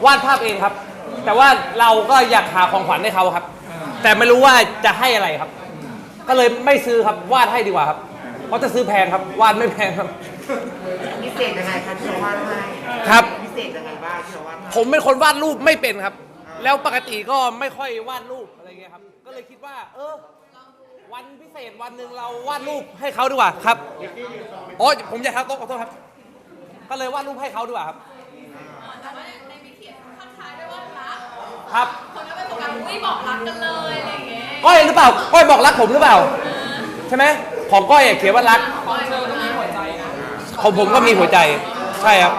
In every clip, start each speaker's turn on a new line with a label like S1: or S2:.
S1: วาดภาพเองครับแต่ว่าเราก็อยากหาของขวัญให้เขาครับแต่ไม่รู้ว่าจะให้อะไรครับก็เลยไม่ซื้อครับวาดให้ดีกว่าครับเพราะจะซื้อแพงครับวาดไม่แพงครับ
S2: พิเศษยังไงคะที่เราวาดให้
S1: ครับ
S2: พิเศษยังไงบ้างที่เราวาดให้
S1: ผมเป็นคนวาดรูปไม่เป็นครับแล้วปกติก็ไม่ค่อยวาดรูปอะไรเงี้ยครับก็เลยคิดว่าวันพิเศษวันหนึ่งเราวาดรูปให้เขาดีกว่าครับโอ้ผมอยากทักโต๊ะขอโทษครับก็เลยวาดรูปให้เขาดีกว่าครับ
S3: แต่ว่าในมีเขียนข้างท้ายด้วยว่ารัก
S1: ครับ
S3: คนก็ไปโฟกัสไม่บอกรักกันเลยอะไรอย่างเงี้ย
S1: ก้อยหรือเปล่าก้อยบอกรักผมหรือเปล่าใช่ไหมของก้อยเขียนว่ารัก
S3: ของเธอก็มีหัวใจนะ
S1: ของผมก็มีหัวใจใช่ครับ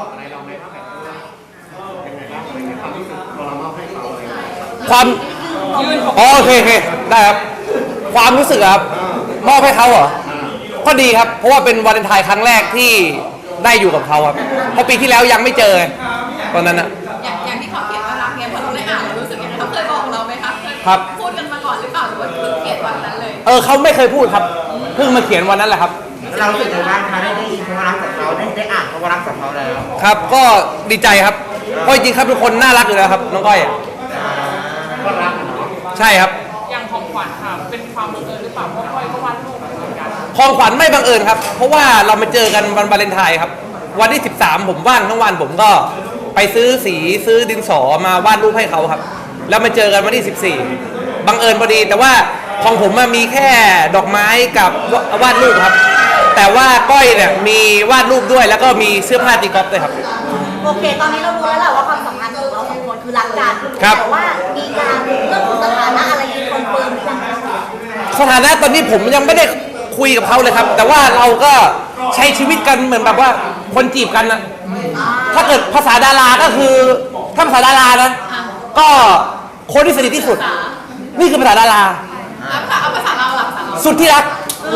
S1: ความโอเคได้ครับความรู้สึกครับมอบให้เขาเหรอก็ดีครับเพราะว่าเป็นวาเลนไทน์ครั้งแรกที่ได้อยู่กับเขาครับเพราะปีที่แล้วยังไม่เจอตอนนั้นนะ
S3: อย่างที่เขาเขียนว่ารักเนี่ยพอเราได้อ่านเรารู้สึกยังไงเขาเคยบอกเราไหมคะ
S1: ครับ
S3: พูดกันมาก่อนหรือเปล่าหรือว่าเพิ่งเขียนวันนั้นเลย
S1: เขาไม่เคยพูดครับเพิ่งมาเขียนวันนั้นแหละครับ
S2: เรารู้สึกยังไงบ้างคะได้ยินคำว่ารักจากเขาได้อ่านคำว่ารักจากเขาแล้ว
S1: ครับก็ดีใจครับเพราะจริงๆครับทุกคนน่ารักอยู่แล้วครับน้องก้อย
S2: ก็รัก
S1: ใช่ครับ
S3: อย่างของขวัญค่ะเป็นความบังเอิญหรือเปล่าเพราะก้อยก็วาดรูปเหมือนกัน
S1: ของขวัญไม่บังเอิญครับเพราะว่าเรามาเจอกันวันวาเลนไทน์ครับวันที่13ผมว่างทั้งวันผมก็ไปซื้อสีซื้อดินสอมาวาดรูปให้เขาครับแล้วมาเจอกันวันที่14บังเอิญพอดีแต่ว่าของผมมีแค่ดอกไม้กับวาดรูปครับแต่ว่าก้อยเนี่ยมีวาดรูปด้วยแล้วก็มีเสื้อผ้าตีกอล์ฟด้วยครับ
S4: โอเคตอนนี้เรารู้แล้วแหละว่าความสัมพันธ์ของเราสองคนคือรักกันแต่ว่ามีการเรื่องของสถานะอะไรที่คอนเฟิร์มหรือยัง
S1: สถานะตอนนี้ผมยังไม่ได้คุยกับเขาเลยครับแต่ว่าเราก็ใช้ชีวิตกันเหมือนแบบว่าคนจีบกันนะถ้าเกิดภาษาดาราก็คือถ้าภาษาดารานะก็คนที่สนิทที่สุดนี่คือภาษาดารา
S3: เอาภาษาเราหลักภาษาเรา
S1: สุดที่รัก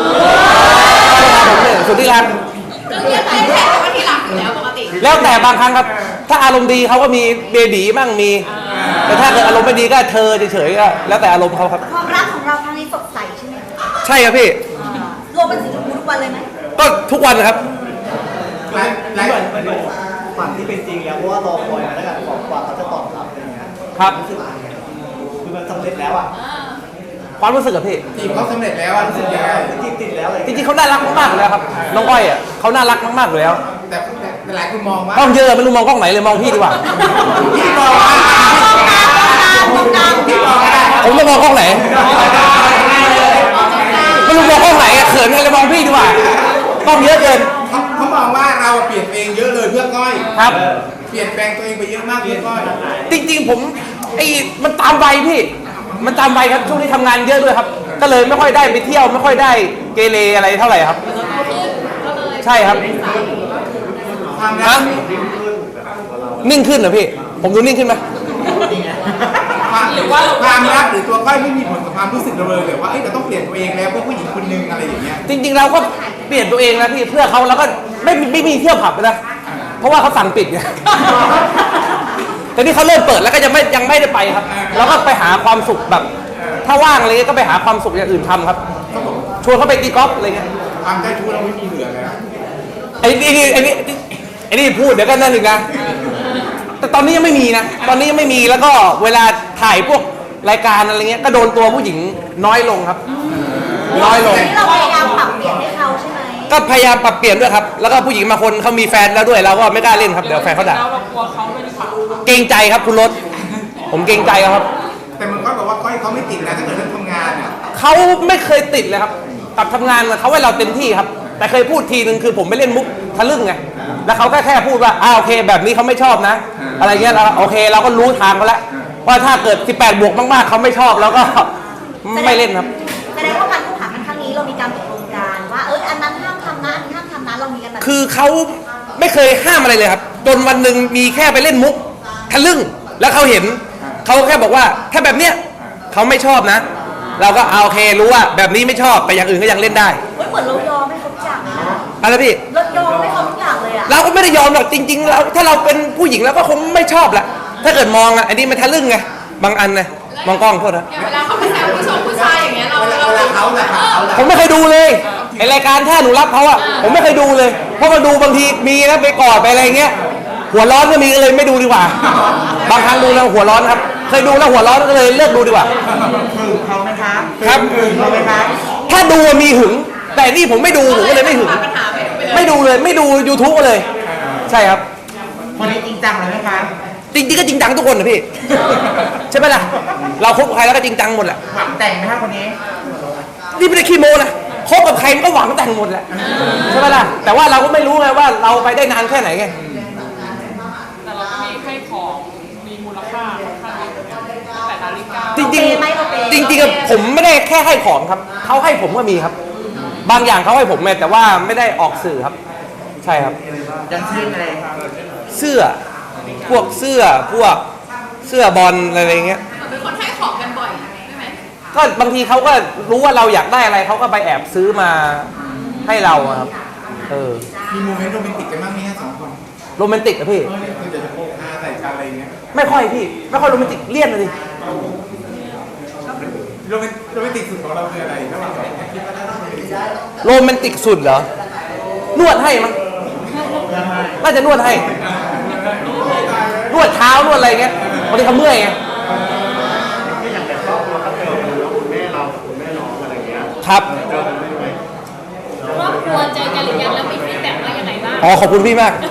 S1: สุดที่รัก
S3: ก็เรียกแต่ว่าที่รักอยู่แล้วปกติ
S1: แล้วแต่บางครั้งครับถ้าอารมณ์ดีเขาก็มีเบบีบ้างมีแต่ถ้าเกิดอารมณ์ไม่ดีก็เธอเฉยๆก็แล้วแต่อารมณ์เขาครับ
S4: ความรักของเราครั้งนี้สดใสใช่ไหม
S1: ใช่ครับพี่
S4: รวมเป็นสีชมพูทุกวันเลยไหม
S1: ก็ทุกวันครับ
S2: ฝันที่เป็นจริงแล้วเพราะว่ารอคอยมาแล้วกันกว่าเขาจะตอบรับอะไรอย่างเงี้ย
S1: ครับ
S2: รู้สึกยังไงคือมันสำเร็จแล้วอ่ะ
S1: ความรู้สึกกับพี่
S2: จีบเขาสำเร็จแล้วรู้สึกยังไงจีบติดแล้วเลย
S1: จริงๆเขาน่ารักมากๆเลยครับน้องก้อยเขาน่ารักมากๆเลยแล้ว
S2: แต่หลายคนมองว่าก
S1: ล้องเยอะไม่รู้มองกล้องไหนเลยมองพี่ดีกว่า
S2: พี่มอง
S1: ผมจะมองกล้องไหนไม่รู้มองกล้องไหนเขินกันเลยมองพี่ดีกว่ากล้องเยอะเกิน
S2: เขามองว่าเราเปลี่ยนเองเยอะเลยเพื่อก้อย
S1: ครับ
S2: เปลี่ยนแปลงตัวเองไปเยอะมากเพื่อก้อย
S1: จริงๆผมมันตามวัยพี่มันตามวัยครับช่วงนี้ทำงานเยอะด้วยครับก็เลยไม่ค่อยได้ไปเที่ยวไม่ค่อยได้เกเรอะไรเท่าไหร่ครับใช่ครับนิ่งขึ้นเหรอพี่ผมดูนิ่งขึ้นไหม
S2: หรือว่าความรักหรือตัวก้อยไม่มีผลกับความรู้สึกเราเลยหรือว่าเราต้องเปลี่ยนตัวเองแล้วเพื่อผู้หญิงคนนึงอะไรอย่างเงี้ย
S1: จริงๆเราก็เปลี่ยนตัวเองนะพี่เพื่อเขาแล้วก็ไม่มีเที่ยวผับนะเพราะว่าเขาสั่งปิดไงแต่นี่เขาเริ่มเปิดแล้วก็ยังไม่ได้ไปครับเราก็ไปหาความสุขแบบถ้าว่างอะไรก็ไปหาความสุขอย่างอื่นทำครับชวนเขาไปตีกอล์ฟอะไรเงี้ย
S2: ความใจชู้เราไม่มีเหลือเลย
S1: ไอ้นี่พูดเดี๋ยวก็นั่นอีกนะแต่ตอนนี้ยังไม่มีนะตอนนี้ยังไม่มีแล้วก็เวลาถ่ายพวกรายการอะไรเงี้ยก็โดนตัวผู้หญิงน้อยลงครับน้อยลง
S4: เราพยายามปรับเปลี่ยนให้เขาใช่ไหม
S1: ก็พยายามปรับเปลี่ยนด้วยครับแล้วก็ผู้หญิงบางคนเขามีแฟนแล้วด้วยเราก็ไม่กล้าเล่นครับเดี๋ยวแฟนเขาด่า
S3: เรากลัวเขาไม่ดีกว่า
S1: เกรงใจครับคุณรถผมเกรงใจครับ
S2: แต่มันก็บอกว่าก้อยเขาไม่ติดนะถ้าเกิดเรื่องทำงานเนี่ย
S1: เขาไม่เคยติดเลยครับกับทำงานเขาให้เราเต็มที่ครับแต่เคยพูดทีนึงคือผมไม่เล่นมุกทะลึ่งไงแล้วเขาแค่พูดว่าโอเคแบบนี้เขาไม่ชอบนะอะไรเงี้ยเราโอเคเราก็รู้ทางเขาแล้วว่าถ้าเกิด18 บวกมากๆเขาไม่ชอบแล้วก็ไม่เล่นครับ
S4: แสดงว่าการคบหากันครั้งนี้เรามีการตกลงกันว่าอันนั้นห้ามทำนะอันนี้ห้ามทำนะเรามีกันแบบ
S1: คือเขาไม่เคยห้ามอะไรเลยครับจนวันหนึ่งมีแค่ไปเล่นมุกทะลึ่งแล้วเขาเห็นเขาแค่บอกว่าถ้าแบบเนี้ยเขาไม่ชอบนะเราก็โอเครู้ว่าแบบนี้ไม่ชอบแต่อย่างอื่นก็ยังเล่นได้
S4: เหมือนเรายอมให้เขาทุกอย่าง
S1: อะไรพี่
S4: เรายอมให้เขาทุกอย่างเลยอะ
S1: เราก็ไม่ได้ยอมหรอกจริงๆเราถ้าเราเป็นผู้หญิงเราก็คงไม่ชอบแหละถ้าเกิดมองอันนี้มันทะลึ่งไงบางอันนะมองกล้องโทษนะ
S3: เวลาเขาไปแซวผู้ชายอย่างเงี้ยเรา
S1: ผมไม่เคยดูเลยไอรายการถ้าหนูรับเขาอะผมไม่เคยดูเลยเพราะมาดูบางทีมีนะไปกอดไปอะไรเงี้ยหัวร้อนก็มีก็เลยไม่ดูดีกว่า บางครั้งดูแล้วหัวร้อนครับ เคยดูแล้วหัวร้อนก็เลยเลิกดูดีกว่า
S2: หึงเขาไหมครับ
S1: ครับ
S2: หึงเขาไหมครับ
S1: ถ้าดูมีหึง แต่นี่ผมไม่ดูผมก็เลยไม่หึง ไม่ดูเลยไม่ดู YouTube เลย ใช่ครับ
S2: คนนี้จริงจังเลยไหมครับ
S1: จริงๆก็จริงจังทุกคนนะพี่ ใช่ไหมล่ะ เราคบกับใครแล้วก็จริงจังหมดแหละ
S2: หวังแต่งไหมครับคนนี้
S1: นี่ไม่ได้ขี้โม้นะคบกับใครมันก็หวังแต่งหมดแหละใช่ไหมล่ะ แต่ว่าเราก็ไม่รู้ไงว่าเราไปได้นานแค่ไหนไง
S3: แต่เราก็มีให้ของมีมูลค่าค่อนข้างเยอะแต่นาฬิกา
S1: จริงๆอะผมไม่ได้แค่ให้ของครับเขาให้ผมก็มีครับ บางอย่างเขาให้ผมแต่ว่าไม่ได้ออกสื่อครับ ใช่ครับ
S2: ยังชื่ออะไรครับ
S1: เสื้อพวกเสื้อพวกเสื้อบอลอะไรเงี้ย
S3: เป็นคนให้ของกันบ่อยใช่ไหม
S1: ก็บางทีเขาก็รู้ว่าเราอยากได้อะไรเขาก็ไปแอบซื้อมาให้เราอะครับ
S2: มีโมเมนต์โรแมนติกกันบ้างไหมฮะสองคน
S1: โรแมนติกอะพี่
S2: คือจะโปกหน้าใส่กันอะไรเงี้ย
S1: ไม่ค่อยพี่ไม่ค่อยโรแมนติกเลี่ยนเลยดิ
S2: โรแมนติกสุดของเราคืออะไรระหว่างสองคนคิดว่าน่าจะเป็น
S1: โรแมนติกสุดเหรอนวดให้มั้งน่าจะนวดให้นวดเท้านวดอะไรเงี้ยบางทีเขาเมื่อยไงครับ
S5: ครอบครัวเจอกันหรือยังแล้วมีฟีดแบ็กว่ายังไงบ้าง
S1: อ๋อขอบคุณพี่มาก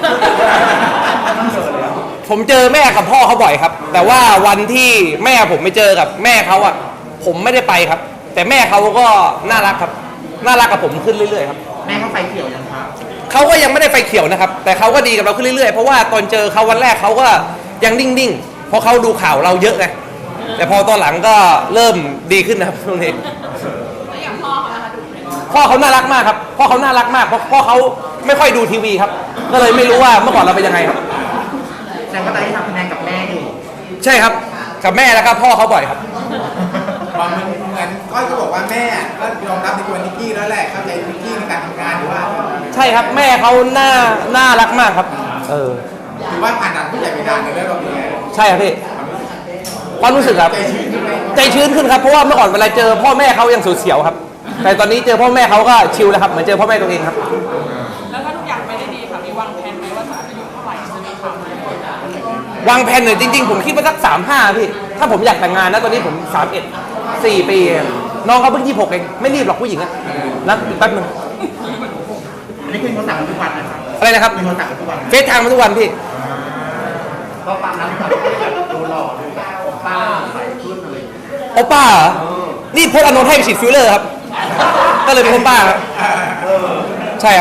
S1: ผมเจอแม่กับพ่อเขาบ่อยครับ แต่ว่าวันที่แม่ผมไปเจอกับแม่เขาอ่ะผมไม่ได้ไปครับ แต่แม่เขาก็น่ารักครับน่ารักกับผมขึ้นเรื่อยๆครับ
S2: แม่เขาไฟเขียวยังครับ
S1: เขาก็ยังไม่ได้ไฟเขียวนะครับ แต่เขาก็ดีกับเราขึ้นเรื่อยๆเพราะว่าตอนเจอเขาวันแรกเขาก็ยังนิ่งๆเพราะเขาดูข่าวเราเยอะไงแต่พอตอนหลังก็เริ่มดีขึ้นนะครับตรงนี้
S3: แล้วอย่างพ่อเขานะคะดูไหม
S1: พ่อเขาน่ารักมากครับพ่อเขาน่ารักมากเพราะพ่อเขาไม่ค่อยดูทีวีครับ ก็เลยไม่รู้ว่าเมื่อก่อนเราเป็นยังไงครับ
S2: แสดงว่าตอนนี้ทำคะแนนกับแม่อยู่
S1: ใช่ครับกับแม่แล้วครับพ่อเขาบ่อยครับ
S2: บางมันเหมือนก้อยก็บอกว่าแม่ก็ยอมรับในตัวนิกกี้แล้วแหละเข้าใจนิกกี้ในการทำงานหรือว่า
S1: ใช่ครับแม่เขาน่ารักมากครับ
S2: ถือว่าผ่านด่านผู้ใหญ่ไปด่านหนึ่งแล้วเราเป็นไง
S1: ใช่ครับพี่ความรู้สึกครับ
S2: ใจชื้นขึ้นไหม
S1: ใจชื้นขึ้นครับเพราะว่าเมื่อก่อนเวลาเจอพ่อแม่เขายังเสียวๆครับ แต่ตอนนี้เจอพ่อแม่เขาก็ชิลแล้วครับเหมือนเจอพ่อแม่ตัวเองครับ
S3: แล้วถ้าทุกอย่างไปได้ดีค่ะมีวางแผนไหมว่าจะอายุเท่าไหร่จะมีข่าวไหม
S1: วางแผนหน่อยจริงๆผมคิดว่าสัก35พี่ถ้าผมอยากแต่งงานนะตอนนี้ผม31 4 ปีเองน้องเขาเพิ่ง26เองไม่รีบหรอกผู้หญิงอะนะแป๊บนึง
S2: อันนี้คือโทรศัพท์ทุกวันนะครับ
S1: อะไรนะครับ
S2: เป็นโทรศัพท์ทุกวัน
S1: เฟซไทม์มาทุกวันพี่
S2: ก็ฟังนั้นแบบดูหล่อดูแบบโอป้าใส่ขึ้นอะไร
S1: โอป้าเหรอนี่พจน์อานนท์ให้ไปฉีดฟิลเลอร์ครับก็เลยเป็นโอป้าครับใช่ครับ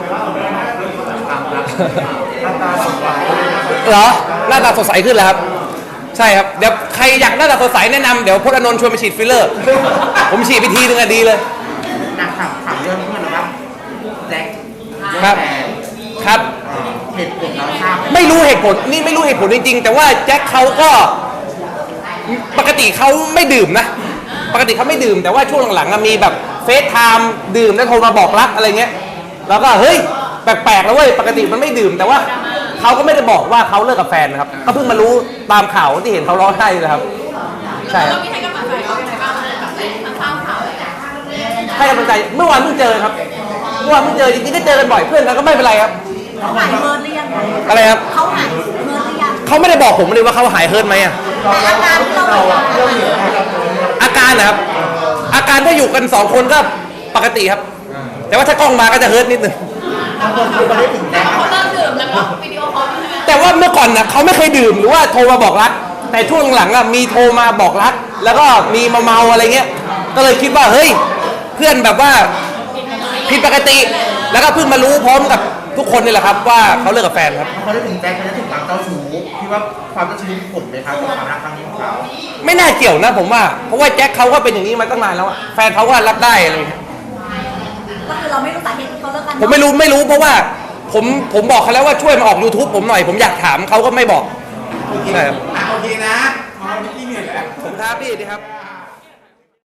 S2: หน้าตาสดใส
S1: เหรอหน้าตาสดใสขึ้นแล้วครับ ใช่ครับเดี๋ยวใครอยากหน้าตาสดใสแนะนำเดี๋ยวพจน์อานนท์ชวนไปฉีดฟิลเลอร์ ผมฉีดไปทีนึงอะดีเลย
S2: นักข่าวเรื่องเพื่อนนะครับแจ็ค
S1: ครับครับ
S2: เหตุผลเราทราบ
S1: ไม่รู้เหตุผลนี่ไม่รู้เหตุผลจริงๆแต่ว่าแจ็คเขาก็ปกติเขาไม่ดื่มนะปกติเขาไม่ดื่มแต่ว่าช่วงหลังๆอะมีแบบเฟซไทม์ดื่มแล้วโทรมาบอกรักอะไรเงี้ยแล้วก็เฮ้ยแปลกๆแล้วเว้ยปกติมันไม่ดื่มแต่ว่าเขาก็ไม่ได้บอกว่าเขาเลิกกับแฟนนะครับก็เพิ่งมารู้ตามข่าวที่เห็นเขาร้องไห้เลยครับใช่ครับ
S3: เรามีให้กำลังใจเขายังไงบ้างแบบทราบข่าวอะไรอย่างเงี้ย
S1: ให้กำลังใจเมื่อวานเพิ่งเจอครับเมื่อวานเพิ่งเจอจริงๆก็เจอกันบ่อยเพื่อนกันก็ไม่เป็นไรครับ
S4: เขาหายเมินหรือยัง
S1: อะไรครับ
S4: เขาหายเมินหรือยัง
S1: เขาไม่ได้บอกผมเลยว่าเขาหายเฮิร์ตไหมอะ
S4: แต่อาการที่เราเห็น
S1: อาการนะครับอาการถ้าอยู่กัน2คนก็ปกติครับ แต่ว่าถ้ากล้องมาก็จะเฮิร์ตนิดนึง
S2: บางคนคือประเด็นถึงแจ็ค
S3: เขาเลิกดื่มแล้วก็วิดีโอคอลใช่ไหม
S1: แต่ว่าเมื่อก่อนนะเขาไม่เคยดื่มหรือว่าโทรมาบอกรัก แต่ช่วงหลังอะมีโทรมาบอกรัก แล้วก็มีมาเมาอะไรเงี้ยก็เลยคิดว่าเฮ้ยเพื่อนแบบว่าผิดปกติ แล้วก็เพิ่งมารู้พร้อมกับทุกคนนี่แหละครับว่าเขาเลิกกับแฟนครับ
S2: บางคนได้ถึงแจ็คเขาจะถึงความเจ้าชู้คิดว่าความเจ้าชู้มีผลไหมครับกับความรักครั้งนี้ของเขา
S1: ไม่น่าเกี่ยวนะผมว่าเพราะว่าแจ็คเขาก็เป็นอย่างนี้มาตั้งนานแล้วอะแฟนเขาก็รับได้อะไรเงี้ย
S4: ก็คือเราไม่รู้สาเหตุที่เขาเลิกกัน
S1: ผมไม่รู้เพราะว่าผมบอกเขาแล้วว่าช่วยมาออก YouTube ผมหน่อยผมอยากถามเขาก็ไม่บอก
S2: โอเค
S1: ใช่ครับ
S2: โอเคนะมองนิกกี้เหนื่อยแล้ว
S1: ผมท้าพี่ดีครับ